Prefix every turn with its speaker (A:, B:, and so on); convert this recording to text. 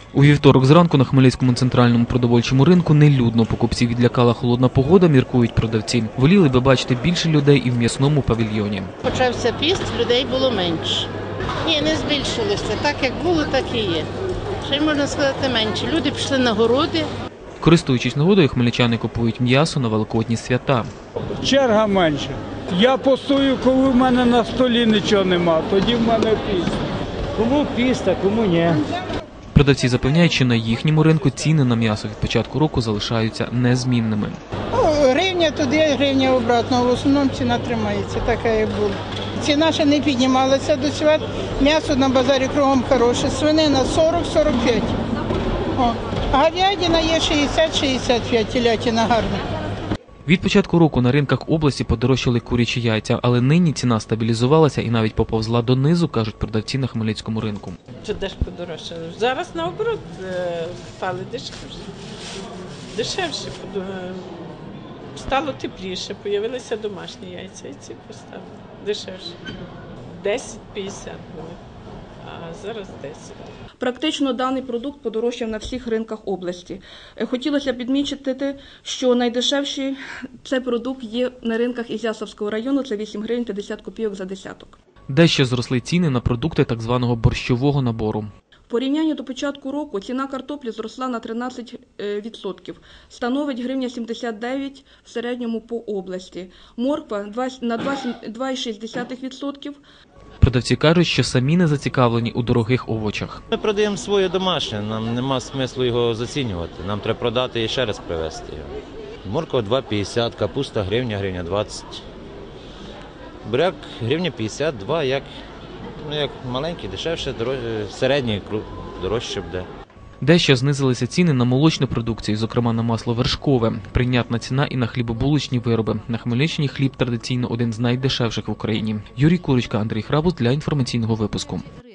A: У вівторок зранку на Хмельницькому центральному продовольчому ринку нелюдно. Покупців відлякала холодна погода, міркують продавці. Воліли би бачити більше людей і в м'ясному павільйоні.
B: Почався піст, людей було менше. Ні, не збільшилося. Так як було, так і є. Ще й можна сказати менше. Люди пішли на городи.
A: Користуючись нагодою, хмельничани купують м'ясо на великодні свята.
C: Черга менше. Я постою, коли в мене на столі нічого нема, тоді в мене піст.
D: Кому піст, а кому ні.
A: Продавці запевняють, що на їхньому ринку ціни на м'ясо від початку року залишаються незмінними.
E: Гривня туди, гривня обратно. В основному ціна тримається, така як була. Ціна ще не піднімалася до свят. М'ясо на базарі кругом хороше. Свинина 40-45. А говядина є 60-65, телятина гарна.
A: Від початку року на ринках області подорожчали курячі яйця, але нині ціна стабілізувалася і навіть поповзла донизу, кажуть продавці на Хмельницькому ринку.
F: Чи де ж подорожчали? Зараз наоборот стали дешевше. Дешевше. Стало тепліше, з'явилися домашні яйця і ці поставили. Дешевше. 10-50 були, а зараз 10.
G: Практично даний продукт подорожчав на всіх ринках області. Хотілося б відмічити, що найдешевший цей продукт є на ринках Ізяславського району, це 8 гривень 50 копійок за десяток.
A: Дещо зросли ціни на продукти так званого борщового набору.
G: В порівнянні до початку року ціна картоплі зросла на 13%, становить гривня 79 в середньому по області. Морква на 2,6%.
A: Продавці кажуть, що самі не зацікавлені у дорогих овочах.
H: Ми продаємо своє домашнє, нам нема смислу його зацінювати. Нам треба продати і ще раз привезти його. Морква 2,50, капуста гривня 20. Буряк гривня 52, як маленький, дешевше, середній, дорожче буде.
A: Дещо знизилися ціни на молочну продукцію, зокрема на масло вершкове. Прийнятна ціна і на хлібобулочні вироби. На Хмельниччині хліб традиційно один з найдешевших в Україні. Юрій Курочка, Андрій Храбус для інформаційного випуску.